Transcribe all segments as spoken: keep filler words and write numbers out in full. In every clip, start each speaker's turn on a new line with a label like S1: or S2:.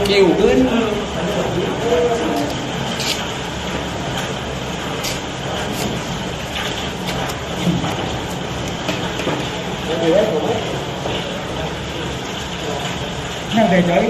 S1: คิวขึ้น
S2: นั่งเฉย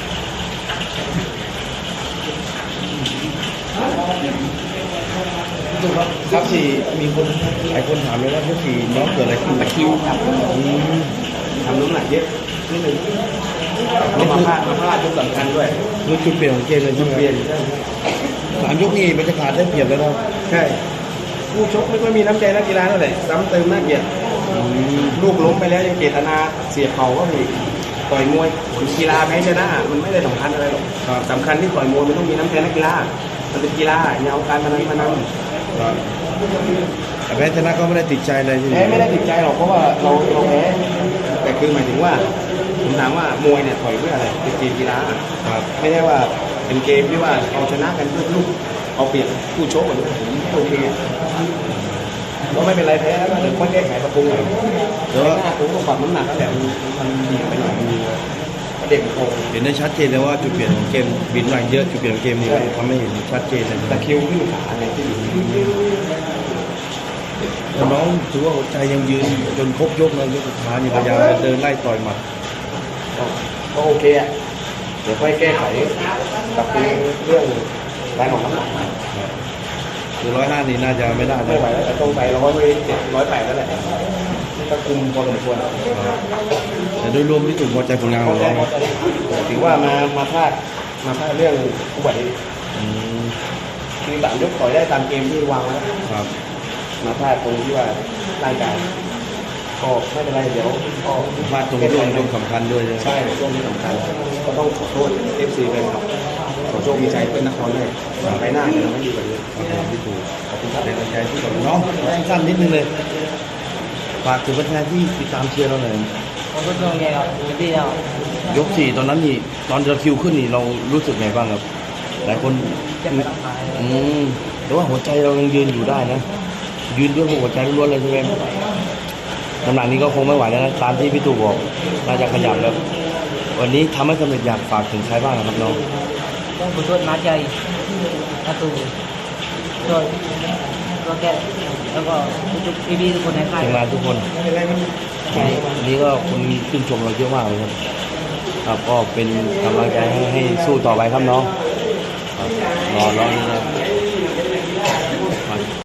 S3: ครับที่มีคนหลายคนถามเลยว่าเมื่อกี้น้องเกิดอะไรขึ้น
S1: ตะคริวครับ
S3: อืม
S1: ทำน้ำหนักเยอะนิดหนึ่งแล้วมาพลาดมาพลาดจุดสำคัญด้วย
S3: นี่จุดเปลี่ยนของเกมเลยใช่ไหม
S1: เปลี่ยน
S3: สามยกนี่บรรยากาศได้เปรียบแล้วนะ
S1: ใช่ผู้ชกไม่ค่อยมีน้ำใจนักกีฬาเท่าไหร่ซ้ำเติมน่าเกลียดลูกล้มไปแล้วยังเจตนาเสียบเข่าก็มีต่อยมวยกีฬาแพ้ชนะมันไม่ได้สำคัญอะไรหรอกสำคัญที่ต่อยมวยมันต้องมีน้ำใจนักกีฬามันเป็นกีฬาอย่าเอาการพนันมานำ
S3: ครับแต่แพ้ชนะก็ไม่ได้ติดใจเลยที่
S1: แพ้ไม่ได้ติดใจหรอกเพราะว่าเราเราแพ้แต่คือหมายถึงว่าผมถามว่ามวยเนี่ยต่อยเพื่ออะไรเป็นเกมกีฬา
S3: ครับ
S1: ไม่ได้ว่าเป็นเกมที่ว่าเอาชนะกันเพื่อลูกเอาเปรียบผู้ชกผมโอเคก็ไม่เป็นไรแพ้แล้วก็เดี๋ยวค่อยแก้ไขปรับปรุงหน่อย
S3: แต่ว่า
S1: หน้าผมต้องปรับน้ำหนักแล้วแหละมันมันดีไปหน่อยมันเด็กโต
S3: เห็นได้ชัดเจนเลยว่าจุดเปลี่ยนของเกมบินแรงเยอะจุดเปลี่ยนของเกมนี้ทำให้เห็นชัดเจนเลย
S1: ตะคริวขึ้นขาเนี่ยที่อยู่
S3: แต่น้องถือว่าหัวใจยังยืนจนครบยกนะยกสุดท้ายนี่พยายามจะเดินไล่ต่อยหมัด
S1: ก็ก็โอเคอ่ะเดี๋ยวค่อยแก้ไขปรับปรุงเรื่องการออกน้ำหนัก
S3: คือร้อยห้านี่น่าจะไม่ได้
S1: ไม่
S3: นะ
S1: ไหวแล้วแต่ต้องไปร้อยไปเจ็ดร้อยแปดแล้วแหละก็คุมพอสมควร
S3: แต่โดยรวมที่ถูกพอใจผลงานของน้อง
S1: ถือว่ามามาพลาดมาพลาดเรื่องอุบัติเหตุ
S3: อืม
S1: คือสามยกต่อยได้ตามเกมที่วางไว้
S3: ครับ
S1: มาพลาดตรงที่ว่าร่างกายก็ไม่เป็นไรเดี๋ยวก็
S3: พลาดตรงช่วงช่วงสำคัญด้วยนะ
S1: ใช่ช่วงที่สำคัญก็ต้องขอโทษเอฟซีเป็นครับขอโชคมีใจเป็นนครด้วยไปหน้าจะไม่ดีกว่านี้
S3: ครับผมที่ถูกขอบคุณครับเป็นกำลังใจที่กับน้องสั้นๆนิดนึงเลยฝากถึงแฟนๆที่ติดตามเชียร์เราหน่อย
S2: ผมก็ตัวไงครับไม่ได้แล้ว
S3: ยกสี่ตอนนั้นนี่ตอนเราคิวขึ้นนี่เรารู้สึกไงบ้างครับหลายคน
S2: จะไปทำลาย
S3: อืมแต่ว่าหัวใจเรายังยืนอยู่ได้นะ ยืนด้วยหัวใจล้วนๆเลยใช่ไหมน้ำหนักนี้ก็คงไม่ไหวแล้วนะตามที่พี่ตู่บอกน่าจะขยับแล้ว วันนี้ทำให้สำเร็จอยากฝากถึงใครบ้างครับน้อง
S2: ต้องขอโทษมาใจประตูช่วยก็แก้แล้วก็ทุกพี่ๆทุกคนในค่าย
S3: ทีมงานทุกคน
S1: ไม่เป็นไรมัน
S3: วันนี้ก็คนชื่นชมเราเยอะมากเลยครับครับก็เป็นกำลังใจให้ให้สู้ต่อไปครับน้องครับรอรอนี่นะ